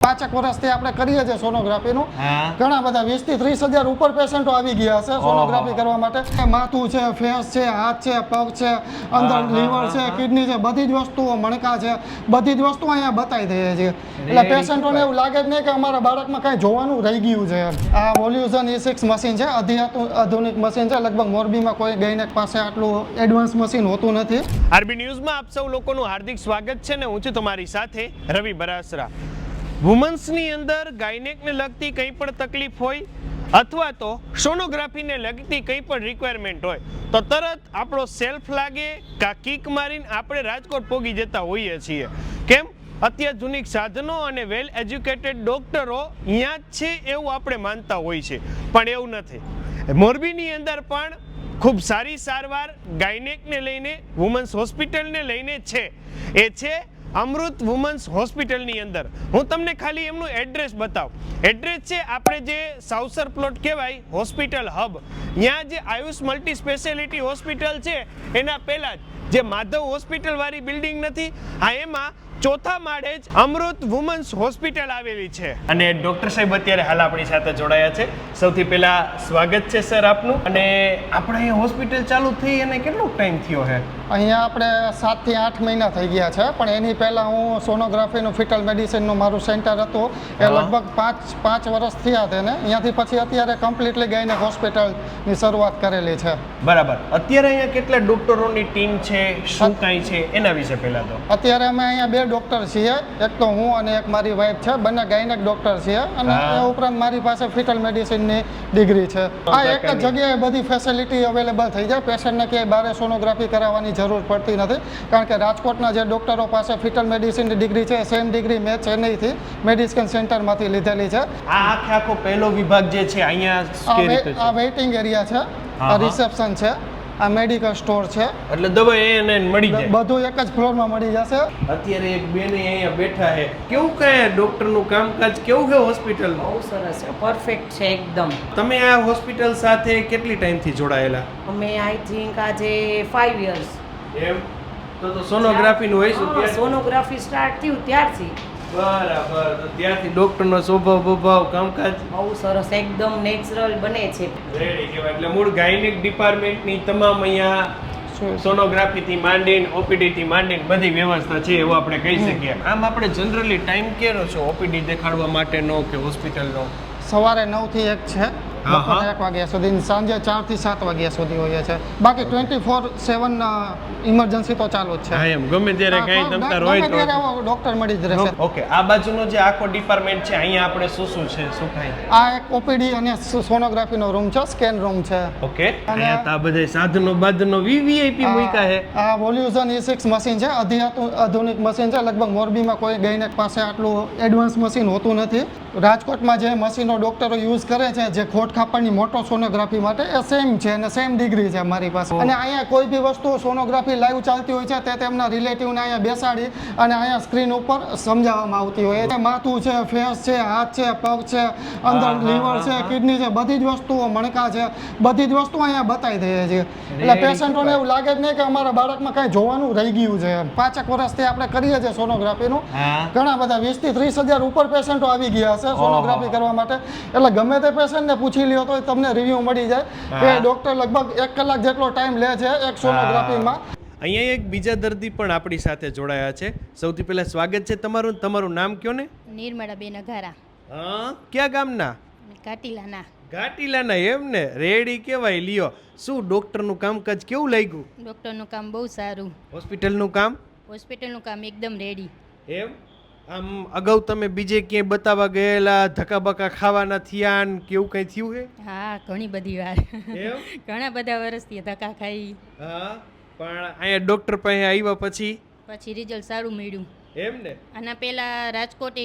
5 વર્ષથી આપણે કરીએ છીએ સોનોગ્રાફીનું. ઘણા બધા 20 થી 30 હજાર ઉપર પેશન્ટો આવી ગયા છે સોનોગ્રાફી કરવા માટે. માથું છે, ફેસ છે, હાથ છે, પગ છે, અંદર લીવર છે, કિડની છે, બધી જ વસ્તુઓ, મણકા છે, બધી જ વસ્તુઓ અહીંયા બતાવી દઈએ છીએ. એટલે પેશન્ટોને એવું લાગે જ નહીં કે અમારા બાળકમાં કાંઈ જોવાનું રહી ગયું છે. આ વોલ્યુઝન E6 મશીન છે, આધુનિક મશીન છે. લગભગ મોરબીમાં કોઈ ગાયનેક પાસે આટલું એડવાન્સ મશીન હોતું નથી. આરબી ન્યૂઝમાં આપ સૌ લોકોનું હાર્દિક સ્વાગત છે ને હું છું તમારી સાથે રવિ બરાસરા. વુમન્સની અંદર ગાયનેકને લગતી કંઈ પણ તકલીફ હોય અથવા તો સોનોગ્રાફીને લગતી કંઈ પણ રિક્વાયરમેન્ટ હોય તો તરત આપણો સેલ્ફ લાગે કા કિક મારીને આપણે રાજકોટ પોગી જતા હોઈએ છીએ. કેમ? અત્યાધુનિક સાધનો અને વેલ એજ્યુકેટેડ ડોક્ટરો અહીંયા જ છે એવું આપણે માનતા હોય છે, પણ એવું નથી. મોરબીની અંદર પણ ખૂબ સારી સારવાર ગાયનેકને લઈને, વુમન્સ હોસ્પિટલને લઈને છે. એ છે અમૃત વુમન્સ હોસ્પિટલની અંદર. હું તમને ખાલી એમનું એડ્રેસ બતાવું. એડ્રેસ છે આપણે જે સાવસર પ્લોટ કહેવાય હોસ્પિટલ હબ, ત્યાં જે આયુષ મલ્ટી સ્પેશિયાલિટી હોસ્પિટલ છે એના પહેલાં જ જે માધવ હોસ્પિટલ વાળી બિલ્ડિંગ નથી, હા એમાં ચોથા માળે જ અમૃત વુમન્સ હોસ્પિટલ આવેલી છે. અને ડોક્ટર સાહેબ અત્યારે હાલ આપણી સાથે જોડાયા છે. સૌથી પહેલા સ્વાગત છે સર આપનું. અને આપણે અહીંયા હોસ્પિટલ ચાલુ થઈ અને કેટલો ટાઈમ થયો છે? અહીંયા આપણે 7 થી 8 મહિના થઈ ગયા છે, પણ એની પહેલાં હું સોનોગ્રાફીનું ફિટલ મેડિસિનનું મારું સેન્ટર હતું એ લગભગ 5 વર્ષ થયા તેને. અહીંયાથી પછી અત્યારે કમ્પ્લીટલી ગાયનેક હોસ્પિટલની શરૂઆત કરેલી છે. બરાબર. અત્યારે અહીંયા કેટલા ડોક્ટરોની ટીમ છે, શું કાંઈ છે એના વિશે પહેલા તો? અત્યારે અમે અહીંયા 2 ડોક્ટર છીએ, એક તો હું અને એક મારી વાઈફ છે. બંને ગાયનેક ડોક્ટર છીએ અને એ ઉપરાંત મારી પાસે ફિટલ મેડિસિનની ડિગ્રી છે. આ એક જ જગ્યાએ બધી ફેસિલિટી અવેલેબલ થઈ જાય. પેશન્ટને ક્યાંય બહાર સોનોગ્રાફી કરાવવાની જરૂર પડતી નથી, કારણ કે રાજકોટના જે ડોક્ટરો પાસે ફિટલ મેડિસિનની ડિગ્રી છે સેમ ડિગ્રી મેં ચેન્નઈથી મેડિસિન સેન્ટરમાંથી લીધેલી છે. આ આખો પહેલો વિભાગ જે છે અહીંયા આ વેઇટિંગ એરિયા છે, આ રિસેપ્શન છે, આ મેડિકલ સ્ટોર છે. એટલે દવા એને મળી જાય, બધું એક જ ફ્લોરમાં મળી જશે. અત્યારે એક બેન અહીંયા બેઠા છે. કેવું કહે ડોક્ટરનું કામકાજ કેવું છે હોસ્પિટલમાં? બહુ સરસ છે, પરફેક્ટ છે એકદમ. તમે આ હોસ્પિટલ સાથે કેટલી ટાઈમથી જોડાયેલા? અમે આઈ થિંક આજે 5 years. એમ તો સોનોગ્રાફીનું હોય શું? સોનોગ્રાફી સ્ટાર્ટ થયું ત્યારથી. બરાબર. તો ત્યારથી ડોક્ટરનો સ્વભાવ કામકાજ બહુ સરસ, એકદમ નેચરલ બને છે. રેડી કહેવાય. એટલે મૂળ ગાયનેક ડિપાર્ટમેન્ટની તમામ અહીંયા સોનોગ્રાફીથી માંડીને ઓપીડીથી માંડીને બધી વ્યવસ્થા છે એવું આપણે કહી શકીએ. આમ આપણે જનરલી ટાઈમ કેનો છે ઓપીડી દેખાડવા માટેનો કે હોસ્પિટલનો? સવારે 9 થી 1 છે, બપોરે 1 વાગ્યા સુધી, સાંજે 4 થી 7 વાગ્યા સુધી હોય છે. બાકી 24/7 ઇમરજન્સી તો ચાલુ જ છે. હા, એમ ગમે ત્યારે કઈ તમતાર હોય તો ડોક્ટર મળી જ રહેશે. ઓકે. આ બાજુનો જે આખો ડિપાર્ટમેન્ટ છે અહીંયા આપણે શું છે, શું થાય? આ એક ઓપીડી અને સોનોગ્રાફીનો રૂમ છે, સ્કેન રૂમ છે. ઓકે. અહીંયા તો આ બધા સાધનો બાધનો વીવીઆઈપી મૂક્યા છે. આ વોલ્યુઝન E6 મશીન છે, આધુનિક મશીન છે. લગભગ મોરબીમાં કોઈ ગાયનેક પાસે આટલું એડવાન્સ મશીન હોતું નથી. રાજકોટમાં જે મશીનો ડોક્ટરો યુઝ કરે છે જે ખોટ ખાપણની મોટો સોનોગ્રાફી માટે, એ સેમ છે અને સેમ ડિગ્રી છે મારી પાસે. અને અહીંયા કોઈ બી વસ્તુ સોનોગ્રાફી લાઈવ ચાલતી હોય છે તે તેમના રિલેટિવને અહીંયા બેસાડી અને અહીંયા સ્ક્રીન ઉપર સમજાવવામાં આવતી હોય છે. માથું છે, ફેસ છે, હાથ છે, પગ છે, અંદર લીવર છે, કિડની છે, બધી જ વસ્તુઓ, મણકા છે, બધી જ વસ્તુઓ અહીંયા બતાવી દઈએ છીએ. એટલે પેશન્ટોને એવું લાગે જ નહીં કે અમારા બાળકમાં કાંઈ જોવાનું રહી ગયું છે. 5 વર્ષથી આપણે કરીએ છીએ સોનોગ્રાફીનું. ઘણા બધા 20 થી 30 હજાર ઉપર પેશન્ટો આવી ગયા છે સોનોગ્રાફી કરવા માટે. એટલે ગમે તે પેશન્ટને પૂછી લ્યો તો તમને રિવ્યુ મળી જાય કે ડોક્ટર લગભગ 1 કલાક જેટલો ટાઈમ લે છે એક સોનોગ્રાફીમાં. અહીંયા એક બીજા દર્દી પણ આપણી સાથે જોડાયા છે. સૌથી પહેલા સ્વાગત છે તમારું. તમારું નામ કયો ને? નિર્મળાબેન અઘારા. હા, ક્યાં ગામના? કાટીલાના. ઘાટીલાના. એમ ને, રેડી કેવાય. લ્યો, શું ડોક્ટરનું કામકાજ કેવું લાગ્યું? ડૉક્ટરનું કામ બહુ સારું. હોસ્પિટલનું કામ? હોસ્પિટલનું કામ એકદમ રેડી. એમ? આમ અગાઉ તમે બીજે ક્યાંય બતાવવા ગયેલા, ધક્કા બકા ખાવાના થયા ને કેવું કઈ થયું છે? હા, ઘણી બધી વાર. એમ? ઘણા બધા વર્ષથી ધક્કા ખાઈ. હા, પણ અહીંયા ડોક્ટર પાસે આવ્યા પછી રિઝલ્ટ સારું મળ્યું. એમ ને? આના પહેલાં રાજકોટે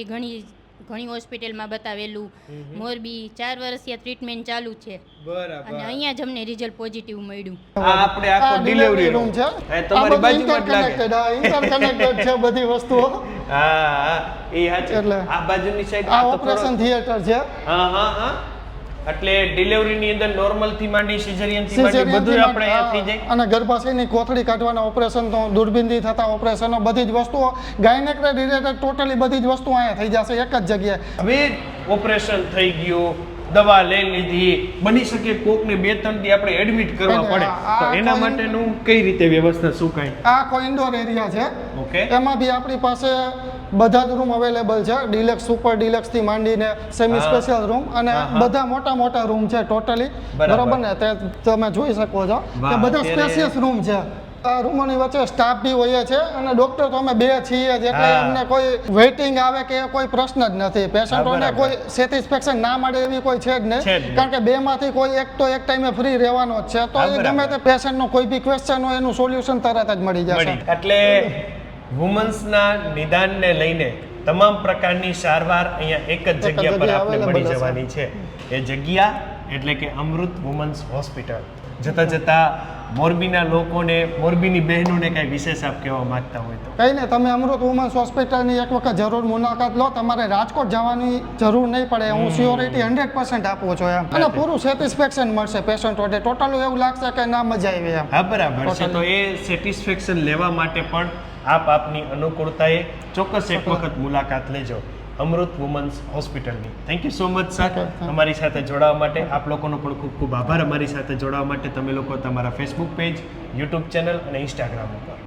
ઘણી હોસ્પિટલમાં બતાવેલું. મોરબી 4 વર્ષથી ટ્રીટમેન્ટ ચાલુ છે. બરાબર. અને અહીંયા જ અમને રિઝલ્ટ પોઝિટિવ મળ્યું. આ આપણે આખો ડિલિવરી રૂમ છે. તમારી બાજુમાં જ લાગે. ઇન્ટરકનેક્ટેડ છે બધી વસ્તુઓ. હા, એ સાચું. એટલે આ બાજુની સાઈડ આ ઓપરેશન થિયેટર છે. હા હા હા. એટલે ડિલિવરીની અંદર નોર્મલ થી માંડી સિઝેરિયન થી માંડી બધું આપણે અહીંયા થઈ જાય. અને ગર્ભાશયની કોથળી કાઢવાના ઓપરેશન તો દૂરબીનથી થતા ઓપરેશનો બધી જ વસ્તુઓ ગાયનેકને રિલેટેડ ટોટલી બધી જ વસ્તુઓ અહીંયા થઈ જશે એક જ જગ્યાએ. હવે ઓપરેશન થઈ ગયું, દવા લઈ લીધી, બની શકે કોકને 2-3 દી આપણે એડમિટ કરવા પડે, તો એના માટેનું કઈ રીતે વ્યવસ્થા શું કાંઈ? આ આખો ઇન્ડોર એરિયા છે. ઓકે. એમાં બી આપણી પાસે બધા જ રૂમ અવેલેબલ છે, ડિલેક્સ સુપર ડિલેક્સ થી માંડીને સેમી સ્પેશિયલ રૂમ અને બધા મોટા મોટા રૂમ છે ટોટલી. બરોબર ને? તે તમે જોઈ શકો છો કે બધા સ્પેશિયસ રૂમ છે. આ રૂમોની વચ્ચે સ્ટાફ બી હોય છે અને ડોક્ટર તો અમે 2 છીએ જ, એટલે અમને કોઈ વેઇટિંગ આવે કે કોઈ પ્રશ્ન જ નથી. પેશન્ટોને કોઈ સેટિસ્ફેક્શન ના મળે એવી કોઈ છે જ નહીં, કારણ કે 2 માંથી કોઈ એક તો એક ટાઈમે ફ્રી રહેવાનો જ છે, તો એ ગમે તે પેશન્ટનો કોઈ બી ક્વેશ્ચન હોય એનું સોલ્યુશન તરત જ મળી જશે. એટલે વુમન્સના નિદાનને લઈને તમામ પ્રકારની સારવાર અહીંયા એક જ જગ્યા પર આપણે મળી જવાની છે. એ જગ્યા એટલે કે અમૃત વુમન્સ હોસ્પિટલ. જતા જતા મોરબીના લોકોને, મોરબીની બહેનોને કઈ વિશેષ આપ કહેવા માંગતા હોય તો? કઈ નહીં, તમે અમૃત વુમન્સ હોસ્પિટલની એક વખત જરૂર મુલાકાત લો. તમારે રાજકોટ જવાની જરૂર નહીં પડે, હું શ્યોરિટી 100% આપું છું એમ. અને પૂરું સેટિસ્ફેક્શન મળશે પેશન્ટોને. ટોટલ એવું લાગશે કે ના મજા આવી એમ. હા, બરાબર છે. તો એ સેટિસ્ફેક્શન લેવા માટે પણ આપની અનુકૂળતાએ ચોક્કસ એક વખત મુલાકાત લેજો અમૃત વુમન્સ હોસ્પિટલની. Thank you so much sir અમારી સાથે જોડાવા માટે. આપ લોકોનો પણ ખૂબ ખૂબ આભાર અમારી સાથે જોડાવા માટે. તમે લોકો તમારા ફેસબુક પેજ, યુટ્યુબ ચેનલ અને ઇન્સ્ટાગ્રામ ઉપર